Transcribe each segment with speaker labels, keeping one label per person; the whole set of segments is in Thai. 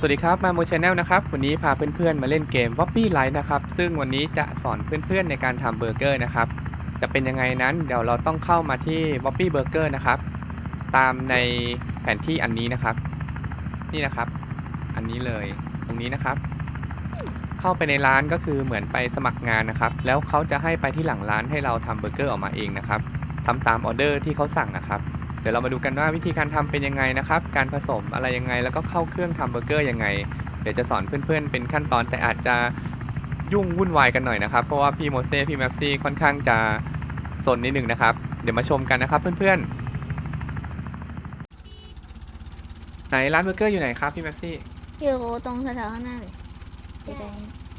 Speaker 1: วัสดีครับมาโมชแนลนะครับวันนี้พาเพื่อนๆมาเล่นเกม Wobbly Life นะครับซึ่งวันนี้จะสอนเพื่อนๆในการทำเบอร์เกอร์นะครับจะเป็นยังไงนั้นเดี๋ยวเราต้องเข้ามาที่ Wobbly Burger นะครับตามในแผนที่อันนี้นะครับนี่นะครับอันนี้เลยตรงนี้นะครับเข้าไปในร้านก็คือเหมือนไปสมัครงานนะครับแล้วเขาจะให้ไปที่หลังร้านให้เราทำเบอร์เกอร์ออกมาเองนะครับซ้ำตามออเดอร์ที่เขาสั่งนะครับเดี๋ยวเรามาดูกันว่าวิธีการทำเป็นยังไงนะครับการผสมอะไรยังไงแล้วก็เข้าเครื่องทำเบอร์เกอร์ยังไงเดี๋ยวจะสอนเพื่อนๆเป็นขั้นตอนแต่อาจจะยุ่งวุ่นวายกันหน่อยนะครับเพราะว่าพี่โมเซ่พี่แมปซี่ค่อนข้างจะสนนิดหนึ่งนะครับเดี๋ยวมาชมกันนะครับเพื่อนๆไหนร้านเบอร์เกอร์อยู่ไหนครับพี่แมปซี่
Speaker 2: อยู่ตรงแถวๆข้างหน้าเลยแดง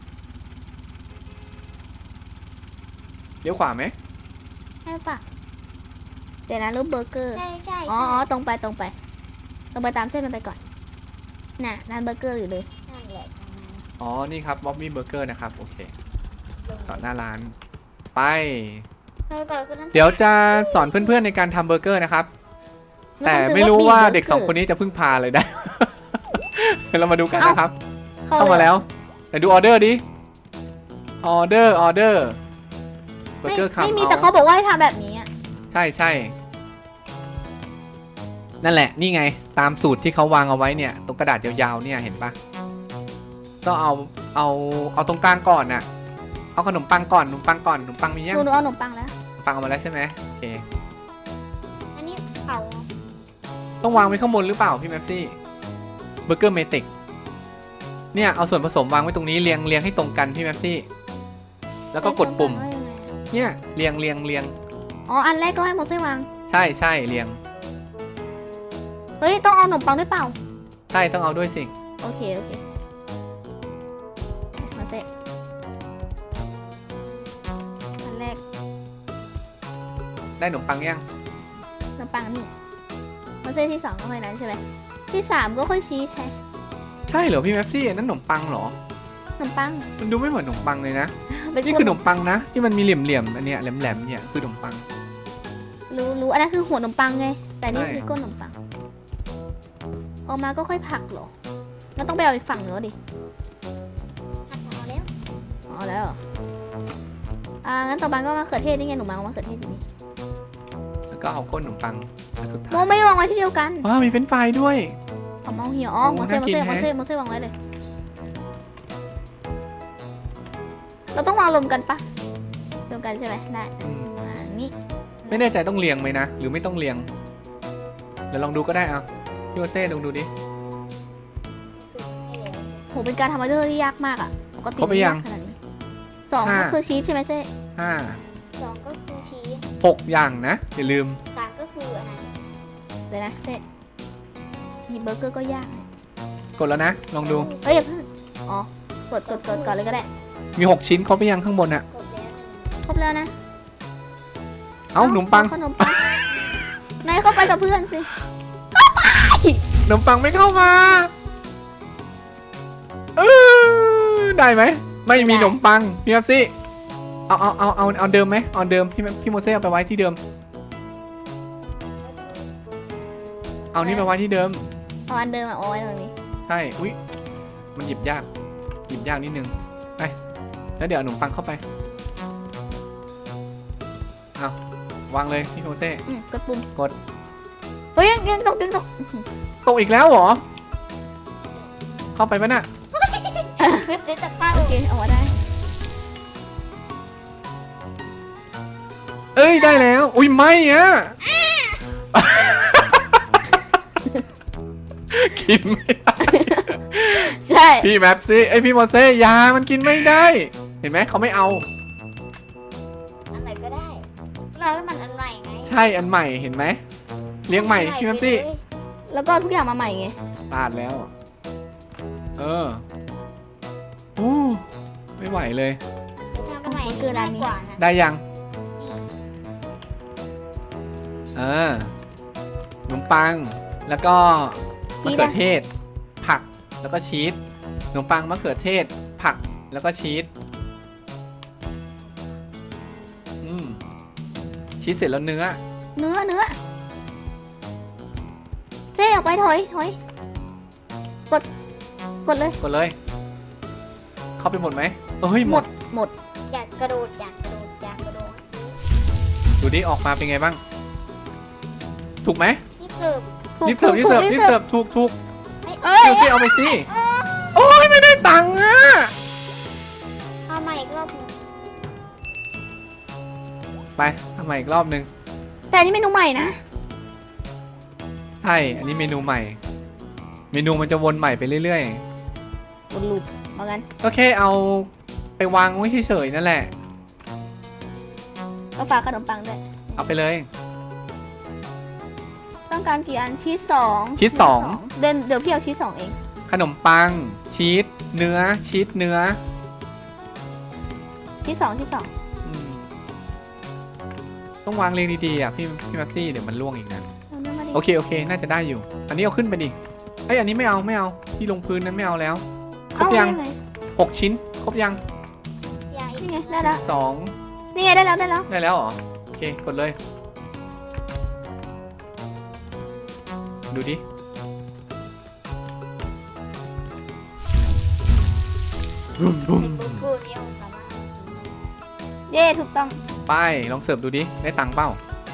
Speaker 1: เลี้ยวขวาไหม
Speaker 2: ใช่ปะเดี๋ยวนะรูปเบอร์เกอร์
Speaker 3: ใช่ใช่
Speaker 2: อ๋อตรงไปตามเส้นมันไปก่อนน่ะร้านเบอร์เกอร์อยู่เลย
Speaker 3: นั่นแหละ
Speaker 1: อ๋อนี่ครับบ๊อบบี้เบอร์เกอร์นะครับโอเคต่อหน้าร้านไป
Speaker 3: เราก่อนคือนั่น
Speaker 1: เดี๋ยวจะสอนเพื่อนๆในการทำเบอร์เกอร์นะครับแต่ไม่รู้ว่าเด็ก2คนนี้จะพึ่งพาเลยได้ เดี๋ยวเรามาดูกันนะครับเข้ามาแล้วไหนดูออเดอร์ดิออเดอร์เบอร์เกอร์คำ
Speaker 2: ไม่มีแต่เขาบอกว่าให้ทำแบบนี้อ่ะ
Speaker 1: ใช่นั่นแหละนี่ไงตามสูตรที่เขาวางเอาไว้เนี่ยตรงกระดาษยาวๆเนี่ยเห็นปะต้องเอาตรงกลางก่อนน่ะเอาขนมปังก่อนขนมปังมียัง
Speaker 2: หนูเอาขนมปังแล้ว
Speaker 1: ขนมปังเอามาแล้วใช่ไหมโอเค
Speaker 3: อันนี้เผา
Speaker 1: ต้องวางไว้ข้างบนหรือเปล่าพี่แม็กซี่เบอร์เกอร์เมติกเนี่ยเอาส่วนผสมวางไว้ตรงนี้เรียงให้ตรงกันพี่แม็กซี่แล้วก็กดปุ่มเนี่ยเรียง
Speaker 2: อ๋ออันแรกก็ให้โมเซ่วาง
Speaker 1: ใช่เรียง
Speaker 2: เฮ้ยต้องเอาขนมปังด้วยเปล่า
Speaker 1: ใช่ต้องเอาด้วยสิ
Speaker 2: โอเคมาเซ่อันแรก
Speaker 1: ได้ขนมปังยัง
Speaker 2: ขนมปังนี่มาเซ่ที่2ก็ค่อยนั้นใช่ไหมที่3ก็ค่อยชี้แทน
Speaker 1: ใช่เหรอพี่แม็กซี่นั่นขนมปังเหรอ
Speaker 2: ขนมปัง
Speaker 1: มันดูไม่เหมือนขนมปังเลยนะ
Speaker 2: เป็น
Speaker 1: นี่คือขนมปังนะที่มันมีเหลี่ยมอันเนี้ยแหลมเนี่ยคือขนมปัง
Speaker 2: รู้อันนั้นคือหัวขนมปังไงแต่นี่
Speaker 1: ใช่
Speaker 2: คือก้นขนมปังออกมาก็ค่อยผักเหรอมันต้องไปเอาอีกฝั่งเนื้อดิ
Speaker 3: ผัดเผาแล้ว
Speaker 2: อ๋อแล้วเหรองั้นต่อไปก็มะเขือเทศนี่ไงหนูมามะเขือเทศอยู่นี่
Speaker 1: แล้วก็เอาก้นขนมปังอันสุดท้าย
Speaker 2: โมไม่วางไว้ที่เดียวกัน
Speaker 1: ว้าวมีเฟรนช์ฟรายด้วย
Speaker 2: เอาเมาเหี่ยวอ๋อ
Speaker 1: โอ้
Speaker 2: โมเซ่
Speaker 1: น่ากินแฮะ
Speaker 2: วางไว้เลยเราต้องวางรวมกันปะรวมกันใช่ไหมได้
Speaker 1: อืม
Speaker 2: นี่
Speaker 1: ไม่แน่ใจต้องเรียงไหมนะหรือไม่ต้องเรียงเดี๋ยวลองดูก็ได้เอาพี่โอเซ่ลองดูดิ
Speaker 3: สูตรให้แล้ว
Speaker 2: โหเป็นการทำออเดอร์ที่ยากมากอ่ะปกติ
Speaker 1: ครบไปยัง
Speaker 2: ม่ากขนาดนี้2ก็คือชีสใช่ไหมเซ่
Speaker 1: ห้า
Speaker 3: 2ก็คือชีส
Speaker 1: 6อย่างนะอย่าลืม
Speaker 3: 3ก็คืออันนั้น
Speaker 2: เดี๋ยวนะเซ่หยิบเบอร์เกอร์ก็ยากเลย
Speaker 1: กดแล้วนะลองดู
Speaker 2: เอ้ยอย่าเพิ่งอ๋อกดก่อนเลยก็ได้
Speaker 1: มี6ชิ้นครบไปยังข้างบนอะ
Speaker 3: ครบแล้ว
Speaker 2: ครบแล้วนะ
Speaker 1: เอาขนมปัง
Speaker 2: ขนมปังนายเข้าไปกับเพื่อนสิ
Speaker 1: ขนมปังไม่เข้ามาได้ไหมไม่มีขนมปังพี่แม็กซี่เอาเดิมไหมเอาเดิมพี่โมเซ่เอาไปไว้ที่เดิมเอานี่ไปไว้ที่เดิม
Speaker 2: เอาอันเดิมเอาไว้ตรงนี้
Speaker 1: ใช่อุ้ยมันหยิบยากนิดนึงไปแล้วเดี๋ยวเอาขนมปังเข้าไปเอาวางเลยพี่โมเซ่
Speaker 2: กดปุ่ม
Speaker 1: กด
Speaker 2: เฮ้ยยังตก
Speaker 1: ตกอีกแล้วเหรอเข้าไปปะน่ะ
Speaker 3: เว็บเจ๊จะเป้า
Speaker 2: โอเคเอาไว้ได้
Speaker 1: เอ้ยได้แล้วอุ้ยไม่อะกินไม่ได้
Speaker 2: ใช่
Speaker 1: พี่แมปซี่ไอยพี่โมเซ่ยามันกินไม่ได้ เห็นไหมเขาไม่เอา
Speaker 3: อันไหนก็ได้เราให้มันอันใหม่ไง
Speaker 1: ใช่อันใหม่เห็นไหมเลี้ยงใหม่พี่แมปซี่
Speaker 2: แล้วก็ทุกอย่างมาใหม่ไง
Speaker 1: พลาดแล้วอู้ไม่ไหวเลย
Speaker 3: ทำกันใหม่ง่ายกว่านะ
Speaker 1: ได้ยัง
Speaker 3: นี่
Speaker 1: ขนมปังแล้วก็มะเขือเทศ ผักแล้วก็ชีสขนมปังมะเขือเทศ ผักแล้วก็ชีสชีสเสร็จแล้วเนื้อ
Speaker 2: เซ่ออกไปถอยกดกดเลย
Speaker 1: กดเลย เข้าไปหมดไหมเฮ้ยหมด
Speaker 2: หมด
Speaker 3: อยากกระโดดอยากกระโดดอยากกระโดด
Speaker 1: ดูดิออกมาเป็นไงบ้าง ถูกไหม
Speaker 3: นี่เสิร์ฟ
Speaker 1: รีบเสิร์ฟรีบเสิร์ฟรีบเสิร์ฟถูก
Speaker 2: เอ้ย
Speaker 1: เดี๋ยวสิเอาไปสิโอ้ยไม่ได้ตังค์อ่ะ
Speaker 3: เอาใหม่อีกรอบหนึ่ง
Speaker 1: ไปทำใหม่อีกรอบนึง
Speaker 2: แต่อันนี้เมนูใหม่นะ
Speaker 1: ใช่อันนี้เมนูใหม่ เมนูมันจะวนใหม่ไปเรื่อย
Speaker 2: วนลูปเหมือนกัน
Speaker 1: ๆก็แค่เอาไปวางไว้เฉยๆนั่นแหละ
Speaker 2: ก็ฝากขนมปังด้วย
Speaker 1: เอาไปเลย
Speaker 2: ต้องการกี่อันชีส2
Speaker 1: ชีส2
Speaker 2: เดี๋ยวพี่เอาชีส2เอง
Speaker 1: ขนมปังชีสเนื้อชีสเนื้อ
Speaker 2: ชีส2
Speaker 1: อืมต้องวางเรียงดีๆอ่ะพี่มัซซี่เดี๋ยวมันล่วงอีกนะ
Speaker 2: เอาเนื้อมาดิ
Speaker 1: โอเคน่าจะได้อยู่ อันนี้เอาขึ้นไปดิเอ้ยอันนี้ไม่เอาที่ลงพื้นนั้นไม่เอาแล้วครบยัง
Speaker 2: เอาไง
Speaker 1: 6 ชิ้นครบยัง
Speaker 3: อย่าอีก
Speaker 2: นี่ไงได้แล้ว
Speaker 1: 2
Speaker 2: นี่ไงได้แล้ว
Speaker 1: ได้แล้วเหรอโอเคกดเลย ดูดิบุ้ม
Speaker 3: เป็นเบอร์เกอร์เดียวสามารถกินได้
Speaker 2: เย่ถูกต้อง
Speaker 1: ไปลองเสิร์ฟดูดิได้ตังค์เปล่า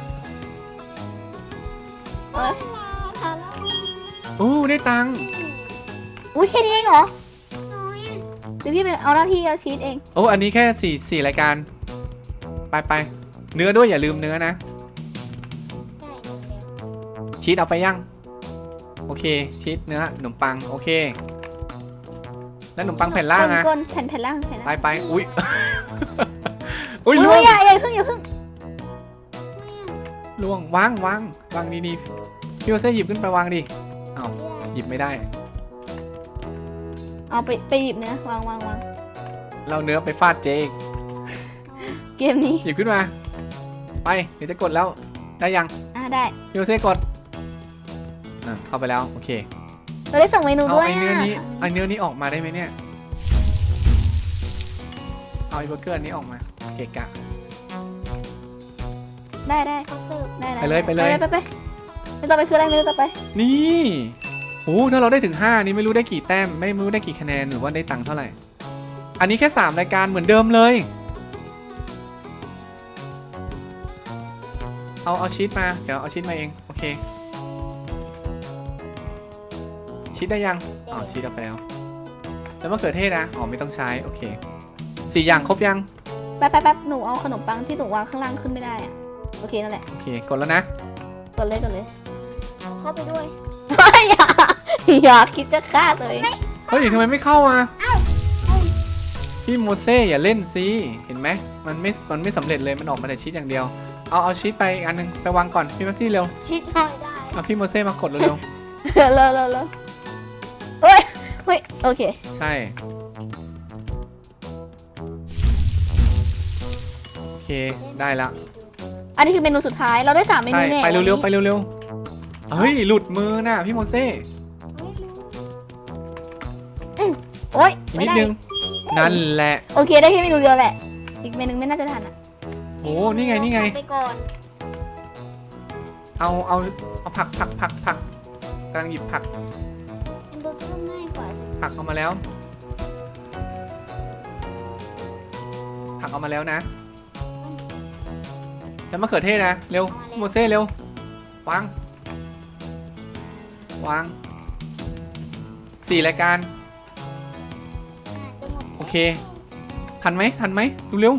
Speaker 2: เอ้ย
Speaker 3: ทานแล้ว
Speaker 1: อู้ได้ตังค์
Speaker 2: อุ้ยแค่นี้เองเหรอ
Speaker 3: น้อยอะ
Speaker 2: เดี๋ยวพี่เป็นเอาหน้าที่เอาชีสเอง
Speaker 1: โอ้อันนี้แค่4รายการไปเนื้อด้วยอย่าลืมเนื้อนะ
Speaker 3: ได้เร็ว
Speaker 1: ชีสเอาไปยังโอเคชีสเนื้อขนมปังโอเคแล้วขนมปังแผ่นล่างอะ
Speaker 2: ก้นแผ่นล่างแผ่นล่าง
Speaker 1: ไปอุ้ย อุ้ย
Speaker 2: อุ้
Speaker 1: ล่วย ง
Speaker 2: อย่าเพิ่ง
Speaker 1: ล่วงวางดีๆพี่โอเซ่หยิบขึ้นไปวางดิอ้าวหยิบไม่ได้
Speaker 2: เอาไปหยิบเนื้อวาง
Speaker 1: เราเนื้อไปฟาดเจอีก
Speaker 2: เกมนี้
Speaker 1: หยิบขึ้นมาไปเดี๋ยวจะกดแล้วได้ยัง
Speaker 2: ได้
Speaker 1: พี่โอเซ่กดเข้าไปแล้วโอเค
Speaker 2: เราได้ส่งเมนู
Speaker 1: เอา
Speaker 2: ด้วย
Speaker 1: ไอเนื้อนี้ออกมาได้ไหมเนี่ยเอาไอเบอร์เกอร์อันนี้ออกมาเกะกะ
Speaker 2: ได้
Speaker 3: เขาเสิร์ฟ
Speaker 2: ได้
Speaker 1: ไปเลย
Speaker 2: ไปเมนูต่อไปคืออะไรเมนูต่อไป
Speaker 1: นี่โอ้ถ้าเราได้ถึง5นี่ไม่รู้ได้กี่แต้มไม่รู้ได้กี่คะแนนหรือว่าได้ตังค์เท่าไหร่อันนี้แค่3รายการเหมือนเดิมเลยเอาชีสมาเดี๋ยวเอาชีสมาเองโอเคชีสได้ยังอ๋อชีสเอาไปแล้วแล้วมะเขือเทศนะอ๋อไม่ต้องใช้โอเค4อย่างครบยัง
Speaker 2: แป๊บหนูเอาขนมปังที่หนูวางข้างล่างขึ้นไม่ได้อะโอเคนั่นแหละ
Speaker 1: โอเคกดแล้วนะ
Speaker 2: กดเลย
Speaker 3: เข้าไปด้วย
Speaker 2: อย่าคิดจะฆ่าตัวเอง
Speaker 1: เฮ้ยทำไมไม่เข้าอ่ะพี่โมเซ่อย่าเล่นสิเห็นไหมมันไม่สำเร็จเลยมันออกมาแต่ชีสอย่างเดียวเอาชีสไปอีกอันนึงไปวางก่อนพี่มัซซี่เร็ว
Speaker 3: ชิดหน่อยได้
Speaker 1: เอาพี่โมเซ่มากดเร็ว
Speaker 2: เลยเฮ้ยโอเค
Speaker 1: ๆใช่โอเคได้ละ
Speaker 2: อันนี้คือเมนูสุดท้ายเราได้3เมนู
Speaker 1: ใช่
Speaker 2: แน่
Speaker 1: ไปเร็วๆไปเร็วๆเฮ้ยหลุดมือน่ะพี่โมเซ่
Speaker 2: โอ๊ย
Speaker 1: อีกนิดนึงนั่นแหละ
Speaker 2: โอเคได้แค่เมนูเดียวแหละอีกเมนูไม่น่าจะทันอ่ะ
Speaker 1: โอ้นี่ไง
Speaker 3: ไปก่อน
Speaker 1: เอาผักกำลังหยิบผัก
Speaker 3: เป็นเบอร์เกอร์ง่ายกว่าสิ
Speaker 1: ผักเอามาแล้วนะแล้วมะเขือเทศนะเร็วโมเซ่เร็ววาง4รายการ
Speaker 3: จะหมด
Speaker 1: โอเคทันไหมดูเร็ว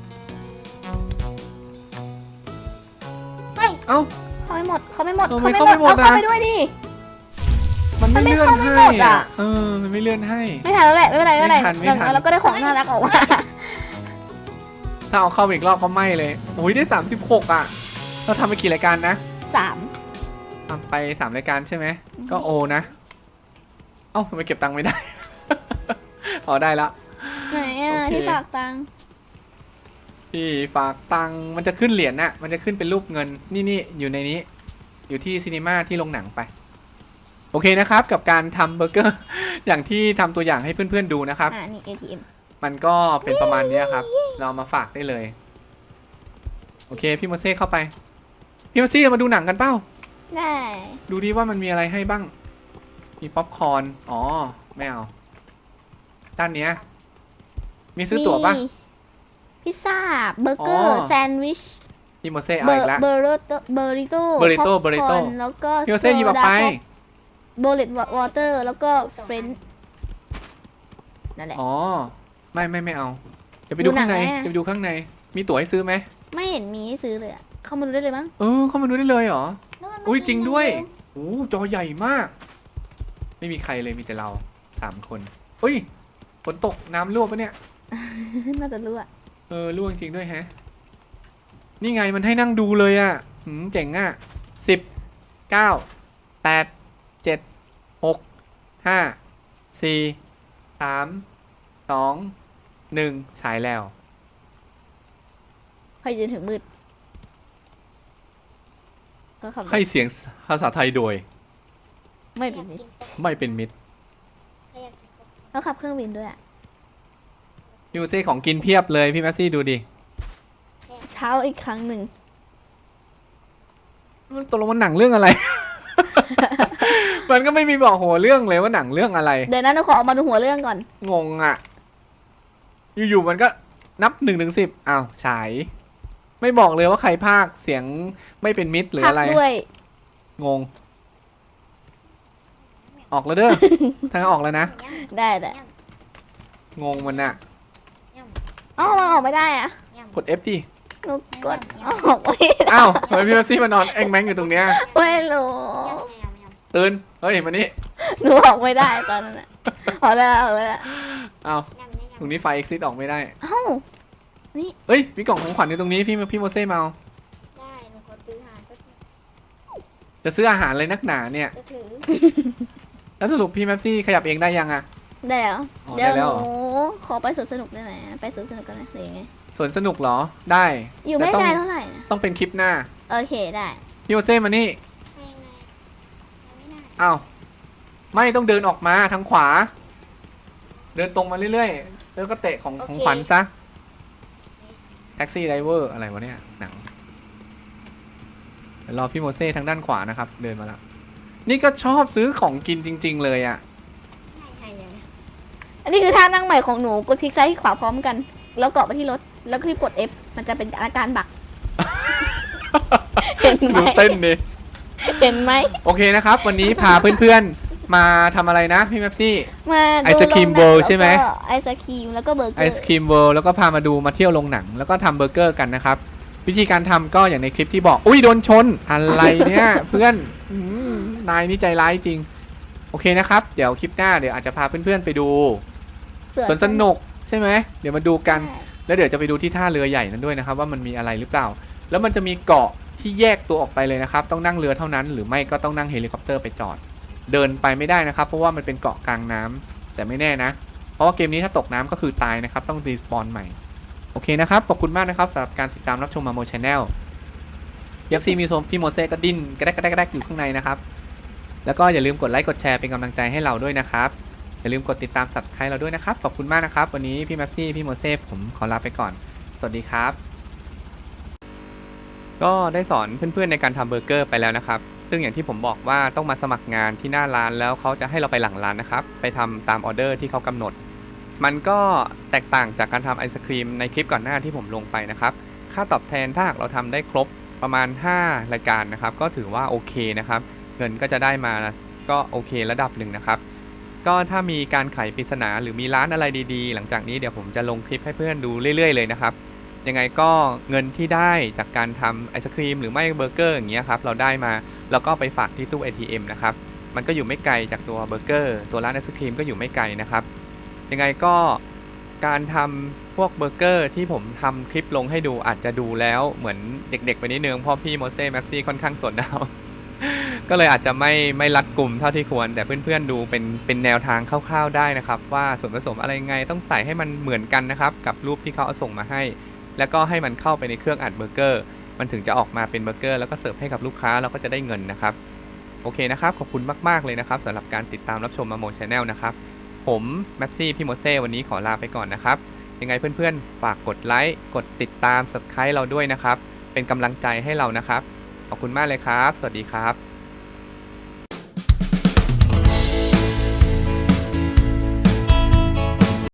Speaker 1: เอ้า
Speaker 2: เขาไม่หมดเอาไปด้วยดิ
Speaker 1: มันไม่เลื่อน
Speaker 2: มันไม่
Speaker 1: ให้
Speaker 2: เข้าไม่หมดอะ
Speaker 1: มันไม่เลื่อนให้
Speaker 2: ไม่ทันแล้วแหละไม่เป็นไร
Speaker 1: ไม่ทัน
Speaker 2: เราก็ได้ของน่ารักออกมา
Speaker 1: ถ้าเอาเข้าไปอีกรอบก็ไม่เลยโอ้ยได้36อ่ะเราทำไปกี่รายการนะ
Speaker 2: 3
Speaker 1: ทำไป3รายการใช่ไหมก็โอนะเอ้าทำไมเก็บตังค์ไม่ได้ อ๋อได้ละ
Speaker 2: ไหนอ่ะ
Speaker 1: โอเค
Speaker 2: ที่ฝากตังค์
Speaker 1: พี่ฝากตังค์มันจะขึ้นเหรียญน่ะมันจะขึ้นเป็นรูปเงินนี่อยู่ในนี้อยู่ที่ซีนีมาที่โรงหนังไปโอเคนะครับกับการทำเบอร์เกอร์ อย่างที่ทำตัวอย่างให้เพื่อนๆดูนะครับ
Speaker 2: นี่ ATM
Speaker 1: มันก็เป็นประมาณนี้ครับเรามาฝากได้เลยโอเคพี่โมเซ่เข้าไปพี่โมเซ่มาดูหนังกันเปล่า
Speaker 2: ได้
Speaker 1: ดูดิว่ามันมีอะไรให้บ้างมีป๊อปคอร์นอ๋อไม่เอาด้านเนี้ยมีซื้อตั๋วปะ
Speaker 2: มีพิซซ่าเบอร์เกอ
Speaker 1: อ๋
Speaker 2: ร์
Speaker 1: อ
Speaker 2: แซนด์วิช
Speaker 1: พี่โมเซ่เอาอีกแล้ว
Speaker 2: เบอร์ริโต้
Speaker 1: เบอริโต้
Speaker 2: แล้วก็
Speaker 1: พี่โมเซ่หยิบออกไป
Speaker 2: โบเลตวอเตอร์แล้วก็เฟรนช์นั่นแหละ
Speaker 1: อ๋อไม่เอาเดี๋ยวไปดูข้างใน
Speaker 2: ดูหนังไหมอะ
Speaker 1: เดี๋ยวไปดูข้างใน มีตั๋วให้ซื้อไหม
Speaker 2: ไม่เห็นมีให้ซื้อเลยอะเข้ามาดูได้เลยมั้ง
Speaker 1: เข้ามาดูได้เลยเหรอ
Speaker 3: นู่น
Speaker 1: อุ้ยจริงด้วย
Speaker 3: เมื่อกี้
Speaker 1: โอ้จอใหญ่มาก ไม่มีใครเลยมีแต่เรา3 คนอุ้ยฝนตกน้ำรั่วปะเนี่ย
Speaker 2: น่าจะรู้อะ
Speaker 1: รั่วจริงด้วยแฮะ นี่ไงมันให้นั่งดูเลยอ่ะเจ๋งอ่ะ10 9 8 7 6 5 4 3 2 1ฉายแล้ว
Speaker 2: ใครยืนถึงมืดก็ขับรถ
Speaker 1: ให้เสียงภาษาไทยโดย
Speaker 2: ไม่
Speaker 3: อ
Speaker 2: เป็
Speaker 3: ยาน ก
Speaker 2: มิต
Speaker 3: กิ
Speaker 2: ร
Speaker 3: นป๊อป
Speaker 1: ไม่เป็นมิตร
Speaker 3: ใครอยากกินป๊อป
Speaker 2: แล้วขับเครื่องบินด้วยอะ
Speaker 1: พี่โมเซ่ของกินเพียบเลยพี่แมสซี่ดูดิ
Speaker 2: เช้าอีกครั้งหนึ่ง
Speaker 1: มันตกลงมันหนังเรื่องอะไร มันก็ไม่มีบอกหัวเรื่องเลยว่าหนังเรื่องอะไร
Speaker 2: เดี๋ยวนั้นเราขอออกมาดูหัวเรื่องก่อน
Speaker 1: งงอ่ะ อยู่ๆมันก็นับ1 ถึง 10อ้าวฉาย ไม่บอกเลยว่าใครพากย์เสียงไม่เป็นมิตรหรือ
Speaker 2: พัก
Speaker 1: อะไร
Speaker 2: ด้วย
Speaker 1: งง ออกแล้วเด้อ ทางออกแล้วนะ
Speaker 2: ได้แต่
Speaker 1: งงมันอะ
Speaker 2: อ๋อมันออกไม่ได้อะ
Speaker 1: กด F ดิ
Speaker 2: หนูกดออกไม่ได้
Speaker 1: อ้าวทำไมพี่แมสซี่มานอนแองแมงอยู่ตรงเนี้ย
Speaker 2: ไม่รู้
Speaker 1: ตื่น เฮ้ยมานี่
Speaker 2: หนูออกไม่ได้ตอนนั้นอะออกแล้วออกแล้ว
Speaker 1: อ้าวตรงนี้ไฟ exit ออกไม่ได้
Speaker 2: เอ้า
Speaker 1: เฮ้ย มีกล่องของขวัญอยู่ตรงนี้พี่โมเซ่มาเอา
Speaker 3: ได้หนูขอซื้อหาก็
Speaker 1: จะซื้ออาหารเลยนักหนาเนี่ย
Speaker 3: จะถือ
Speaker 1: แล้วสรุปพี่แมสซี่ขยับเองได้ยังอะ
Speaker 2: ได้เหรอ
Speaker 1: อ๋อ
Speaker 2: เดี๋ยว
Speaker 1: ได้แล้ว
Speaker 2: ห
Speaker 1: เหรอ
Speaker 2: นูขอไปสวนสนุกได้ไหมไปสวนสนุกกันนะหรือยังไง
Speaker 1: สวนสนุกเหรอ ได้
Speaker 2: อยู่ไม่
Speaker 1: แต่ต้อง
Speaker 2: ไกลเท่าไหร่นะ
Speaker 1: ต้องเป็นคลิปหน้า
Speaker 2: โอเคได้
Speaker 1: พี่โมเซ่มานี่
Speaker 3: ไปยังไงไม่ได้
Speaker 1: อ้าว ไม่ต้องเดินออกมาทางขวา เดินตรงมาเรื่อยๆ แล้วก็เตะของขวัญซะ แท็กซี่ไดเวอร์อะไรวะเนี่ย หนังเดี๋ยวรอพี่โมเซ่ทางด้านขวานะครับ เดินมาแล้ว นี่ก็ชอบซื้อของกินจริง ๆ เลยอะ
Speaker 3: ใช่ยัง
Speaker 2: อันนี้คือท่านั่งใหม่ของหนูกดคลิกซ้ายคลิกขวาพร้อมกัน แล้วเกาะไปที่รถแล้วก็รีบกด F มันจะเป็นอาการบัก เห็นไหม
Speaker 1: ดูเต้นดิ
Speaker 2: เห็นไหม
Speaker 1: โอเคนะครับ วันนี้พาเพื่อนๆ มาทำอะไรนะพี่แมปซี่
Speaker 2: มาดู
Speaker 1: ไอศกรีม
Speaker 2: โงหนัง
Speaker 1: เวิลด์ใช่ไหม
Speaker 2: แล้วก็ไอศครีมแล้วก็เบอร์เก
Speaker 1: ไอ
Speaker 2: อร์
Speaker 1: ศครีมเวิลด์แล้วก็พามาเที่ยวโรงหนัง แล้วก็ทำเบอร์เกอร์กันนะครับ วิธีการทำก็อย่างในคลิปที่บอก อุ้ยโดนชน อะไรเนี่ย เพื่อนนายนี่ใจร้ายจริง โอเคนะครับ เดี๋ยวคลิปหน้าเดี๋ยวอาจจะพาเพื่อนๆไปดูสวนสนุกใช่ไหมเดี๋ยวมาดูกัน แล้วเดี๋ยวจะไปดูที่ท่าเรือใหญ่นั้นด้วยนะครับ ว่ามันมีอะไรหรือเปล่า แล้วมันจะมีเกาะที่แยกตัวออกไปเลยนะครับ ต้องนั่งเรือเท่านั้น หรือไม่ก็ต้องนั่งเฮลิคอปเตอร์ไปจอด เดินไปไม่ได้นะครับ เพราะว่ามันเป็นเกาะกลางน้ำแต่ไม่แน่นะ เพราะว่าเกมนี้ถ้าตกน้ำก็คือตายนะครับ ต้องรีสปอนใหม่ โอเคนะครับ ขอบคุณมากนะครับสำหรับการติดตามรับชมมาโมชแนลยับซีมีโซมพี่โมเซ่ก็ดิ้นกระแดกอยู่ข้างในนะครับ แล้วก็อย่าลืมกดไลค์กดแชร์เป็นกำลังใจให้เราด้วยนะครับ อย่าลืมกดติดตามSubscribeเราด้วยนะครับ ขอบคุณมากนะครับ วันนี้พี่แมปซี่พี่โมเซ่ผมขอลาไปก่อน สวัสดีครับ ก็ได้สอนเพื่อนๆในการทำเบอร์เกอร์ไปแล้วนะครับ ซึ่งอย่างที่ผมบอกว่าต้องมาสมัครงานที่หน้าร้านแล้วเขาจะให้เราไปหลังร้านนะครับ ไปทำตามออเดอร์ที่เขากำหนด มันก็แตกต่างจากการทำไอศครีมในคลิปก่อนหน้าที่ผมลงไปนะครับ ค่าตอบแทนถ้าหากเราทำได้ครบประมาณ5รายการนะครับก็ถือว่าโอเคนะครับเงินก็จะได้มาก็โอเคระดับหนึ่งนะครับก็ถ้ามีการไขปริศนาหรือมีร้านอะไรดีๆหลังจากนี้เดี๋ยวผมจะลงคลิปให้เพื่อนดูเรื่อยๆเลยนะครับยังไงก็เงินที่ได้จากการทำไอศครีมหรือไม่เบอร์เกอร์อย่างเงี้ยครับเราได้มาแล้วก็ไปฝากที่ตู้ ATM นะครับมันก็อยู่ไม่ไกลจากตัวเบอร์เกอร์ตัวร้านไอศครีมก็อยู่ไม่ไกลนะครับยังไงก็การทำพวกเบอร์เกอร์ที่ผมทำคลิปลงให้ดูอาจจะดูแล้วเหมือนเด็กๆไปนิดนึงเพราะพี่โมเซ่แม็กซี่ค่อนข้างสนเอา ก็เลยอาจจะไม่รัดกลุ่มเท่าที่ควรแต่เพื่อนๆดูเป็นแนวทางคร่าวๆได้นะครับว่าส่วนผสมอะไรไงต้องใส่ให้มันเหมือนกันนะครับกับรูปที่เขาเอาส่งมาให้แล้วก็ให้มันเข้าไปในเครื่องอัดเบอร์เกอร์มันถึงจะออกมาเป็นเบอร์เกอร์แล้วก็เสิร์ฟให้กับลูกค้าเราก็จะได้เงินนะครับโอเคนะครับขอบคุณมากๆเลยนะครับสำหรับการติดตามรับชมมาโมชแนลนะครับผมแม็กซี่พี่โมเซ่วันนี้ขอลาไปก่อนนะครับยังไงเพื่อนๆฝากกดไลค์กดติดตาม Subscribe เราด้วยนะครับเป็นกำลังใจให้เรานะครับขอบคุณมากเลยครับสวัสดีครับ